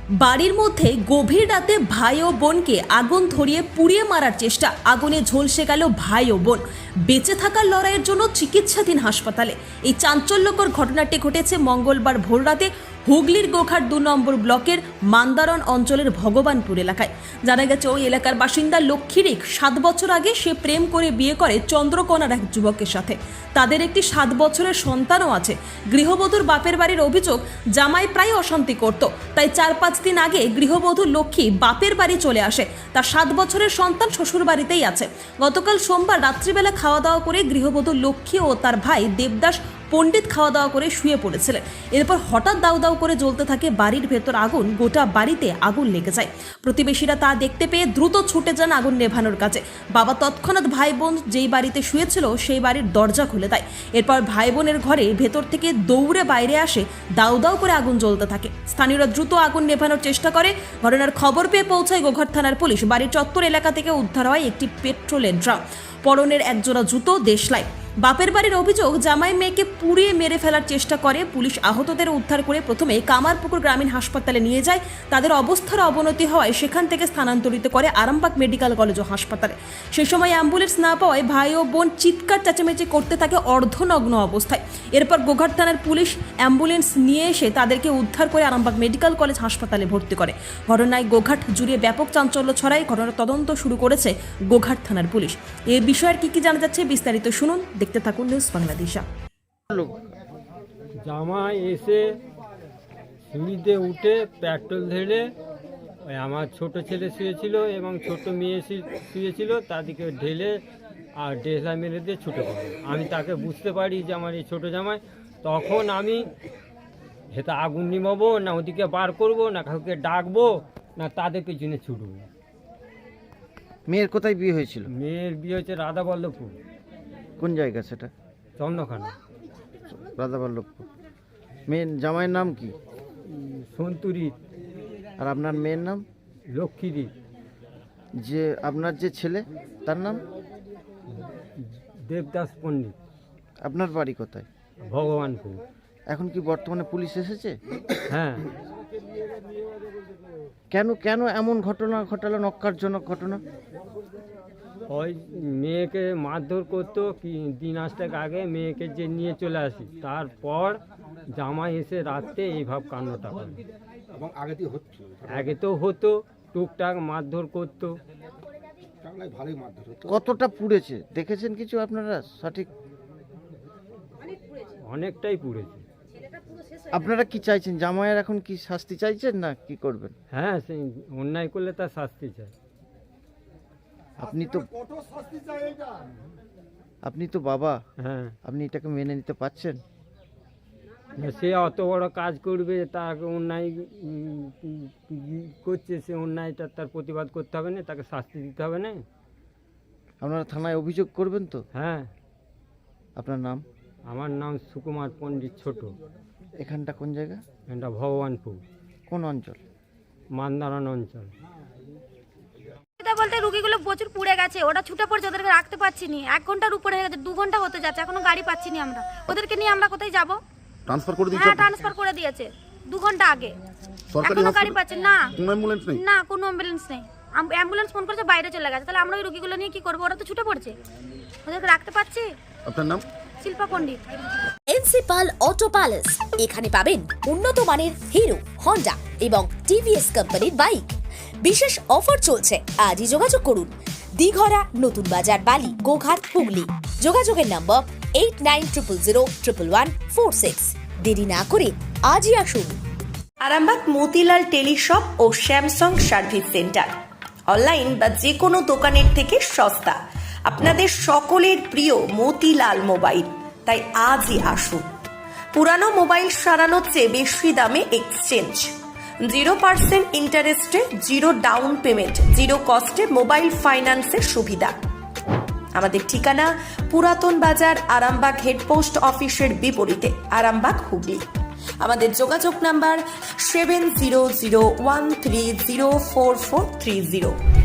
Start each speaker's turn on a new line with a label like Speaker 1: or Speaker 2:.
Speaker 1: বাড়ির মধ্যে গভীর রাতে ভাই ও বোনকে আগুন ধরিয়ে পুড়িয়ে মারার চেষ্টা, আগুনে ঝলসে গেল ভাই ও বোন। বেঁচে থাকার লড়াইয়ের জন্য চিকিৎসাধীন হাসপাতালে। এই চাঞ্চল্যকর ঘটনাটি ঘটেছে মঙ্গলবার ভোররাতে হুগলির গোঘাট 2 নম্বর ব্লকের মান্দারণ অঞ্চলের ভগবানপুর এলাকায়। জানা গেছে ওই এলাকার বাসিন্দা লক্ষ্মীরিক 7 বছর আগে সে প্রেম করে বিয়ে করে চন্দ্রকোনার এক যুবকের সাথে। তাদের একটি 7 বছরের সন্তানও আছে। গৃহবধূর বাপের বাড়ির অভিযোগ, জামাই প্রায় অশান্তি করত, তাই 4-5 দিন আগে গৃহবধূ লক্ষ্মী বাপের বাড়ি চলে আসে। তার 7 বছরের সন্তান শ্বশুর বাড়িতেই আছে। গতকাল সোমবার রাত্রিবেলা খাওয়া দাওয়া করে গৃহবধূ লক্ষ্মী ও তার ভাই দেবদাস পণ্ডিত খাওয়া দাওয়া করে শুয়ে পড়েছিলেন। এরপর হঠাৎ দাউ দাউ করে জ্বলতে থাকে বাড়ির ভেতর আগুন। গোটা বাড়িতে আগুন লেগে যায়। প্রতিবেশীরা তা দেখতে পেয়ে দ্রুত ছুটে যান আগুন নেভানোর কাছে। বাবা তৎক্ষণাৎ ভাই বোন যেই বাড়িতে শুয়েছিল সেই বাড়ির দরজা খুলে দেয়। এরপর ভাই বোনের ঘরে ভেতর থেকে দৌড়ে বাইরে আসে, দাউ দাউ করে আগুন জ্বলতে থাকে। স্থানীয়রা দ্রুত আগুন নেভানোর চেষ্টা করে। ঘটনার খবর পেয়ে পৌঁছায় গোঘাট থানার পুলিশ। বাড়ির চত্বর এলাকা থেকে উদ্ধার হয় একটি পেট্রোলের ড্রাম, পরনের একজোড়া জুতো, দেশলাই। বাপের বাড়ির অভিযোগ, জামাই মেয়েকে পুড়িয়ে মেরে ফেলার চেষ্টা করে। পুলিশ আহতদের উদ্ধার করে প্রথমে কামারপুকুর গ্রামীণ হাসপাতালে নিয়ে যায়। তাদের অবস্থার অবনতি হওয়ায় সেখান থেকে স্থানান্তরিত করে আরামবাগ মেডিকেল কলেজ ও হাসপাতালে। সেই সময় অ্যাম্বুলেন্স না পাওয়ায় ভাই ও বোন চিৎকার চেঁচামেচি করতে থাকে অর্ধনগ্ন অবস্থায়। এরপর গোঘাট থানার পুলিশ অ্যাম্বুলেন্স নিয়ে এসে তাদেরকে উদ্ধার করে আরামবাগ মেডিকেল কলেজ হাসপাতালে ভর্তি করে। ঘটনায় গোঘাট জুড়ে ব্যাপক চাঞ্চল্য ছড়ায়। ঘটনার তদন্ত শুরু করেছে গোঘাট থানার পুলিশ। এই বিষয়ের কি জানা যাচ্ছে বিস্তারিত শুনুন, দেখতে থাকুন নিউজ বাংলাদেশা।
Speaker 2: জামাই এসে সিঁড়িতে উঠে পেট্রোল ঢেলে ওই আমার ছোট ছেলে শুয়েছিল এবং ছোট মেয়ে শুয়েছিল, তাদেরকে ঢেলে আর ডেসলা মেরে দিয়ে ছুটে পড়ে। আমি তাকে বুঝতে পারি যে আমার এই ছোটো জামাই। তখন আমি সেটা আগুন নিমাবো না ওদিকে বার করব না কাউকে ডাকবো না তাদের পেছনে ছুটবো।
Speaker 3: মেয়ের কোথায় বিয়ে হয়েছিল?
Speaker 2: মেয়ের বিয়ে হচ্ছে রাধাবল্লভপুর।
Speaker 3: কোন জায়গা সেটা?
Speaker 2: চন্দ্রখানা।
Speaker 3: রাধাবল্লভপুর। মেয়ের জামাইয়ের নাম কি?
Speaker 2: সন্তুরি।
Speaker 3: আর আপনার মেয়ের নাম?
Speaker 2: লক্ষ্মীরি।
Speaker 3: যে আপনার যে ছেলে তার নাম?
Speaker 2: দেবদাস পণ্ডিত।
Speaker 3: আপনার বাড়ি কোথায়?
Speaker 2: ভগবানপুর।
Speaker 3: এখন কি বর্তমানে পুলিশ এসেছে?
Speaker 2: হ্যাঁ।
Speaker 3: কেন কেন এমন ঘটনা ঘটালো, নক্কারজনক ঘটনা?
Speaker 2: ওই মেয়েকে মারধর করতো কি দিন আসতেক আগে মেয়েকে যে নিয়ে চলে আসি, তারপর জামাই এসে রাত্রে এইভাবে কান্নাটা করে।
Speaker 4: এবং
Speaker 2: আগে তো হতো টুকটাক মারধর করতো।
Speaker 4: ভালোই মারধর হতো।
Speaker 3: কতটা পুড়েছে দেখেছেন কিছু আপনারা? সঠিক
Speaker 2: অনেকটাই পুড়েছে।
Speaker 3: আপনারা কি চাইছেন? জামাইয়ের এখন কি শাস্তি চাইছেন না কি করবেন?
Speaker 2: হ্যাঁ, সেই অন্যায় করলে তার শাস্তি চাই।
Speaker 3: আপনি তো বাবা,
Speaker 2: হ্যাঁ।
Speaker 3: আপনি এটাকে মেনে নিতে পারছেন?
Speaker 2: সে অত বড় কাজ করবে, তাকে অন্যায় করছে, সে অন্যায়টা তার প্রতিবাদ করতে হবে না, তাকে শাস্তি দিতে হবে না।
Speaker 3: আপনারা থানায় অভিযোগ করবেন তো?
Speaker 2: হ্যাঁ।
Speaker 3: আপনার নাম?
Speaker 2: আমার নাম সুকুমার পণ্ডিত ছোট।
Speaker 3: এখানটা কোন জায়গা?
Speaker 2: এটা ভগবানপুর।
Speaker 3: কোন অঞ্চল?
Speaker 2: মান্দারণ অঞ্চল।
Speaker 5: বলতে রুগীগুলো প্রচুর পুড়ে গেছে, ওটা ছুটে পড়ছে, ওদেরকে রাখতে পারছি নি। 1 ঘন্টার উপরে হয়ে গেছে, 2 ঘন্টা হতে যাচ্ছে, এখনো গাড়ি পাচ্ছি না আমরা। ওদেরকে নিয়ে আমরা কোথায় যাব?
Speaker 4: ট্রান্সফার করে দিয়েছে?
Speaker 5: হ্যাঁ, ট্রান্সফার করে দিয়েছে 2 ঘন্টা আগে।
Speaker 4: সরকারি
Speaker 5: এখনো গাড়ি পাচ্ছে না।
Speaker 4: কোনো অ্যাম্বুলেন্স নেই?
Speaker 5: না, কোনো অ্যাম্বুলেন্স নেই। অ্যাম্বুলেন্স ফোন করেছে, বাইরে চলে গেছে। তাহলে আমরা ওই রুগীগুলো নিয়ে কি করবো? ওরা তো ছুটে পড়ছে, ওদেরকে রাখতে পারছি।
Speaker 4: আপনার নাম?
Speaker 5: শিল্পা পণ্ডিত।
Speaker 6: এনসিপাল অটো প্যালেস, এখানে পাবেন উন্নত মানের হিরো, হন্ডা এবং টিভিএস কোম্পানির বাইক। বিশেষ অফার চলছে, আজই যোগাযোগ করুন। দিঘরা, নতুন বাজার, বালি, গোঘাট, হুগলি। যোগাযোগের নম্বর 8900011146। দেরি না করে আজই আসুন।
Speaker 7: আরামবাগ মতিলাল টেলিশপ ও স্যামসাং সার্ভিস সেন্টার, অনলাইন বা যে কোনো দোকানের থেকে সস্তা। আপনাদের সকলের প্রিয় মতিলাল মোবাইল, তাই আজই আসুন। পুরানো মোবাইল সারানোর চেয়ে বেশি দামে এক্সচেঞ্জ, 0% ইন্টারেস্টে, 0 ডাউন পেমেন্ট, 0 কস্টে মোবাইল ফাইন্যান্সের সুবিধা। আমাদের ঠিকানা পুরাতন বাজার, আরামবাগ হেডপোস্ট অফিসের বিপরীতে, আরামবাগ, হুগলি। আমাদের যোগাযোগ নাম্বার 7001304430।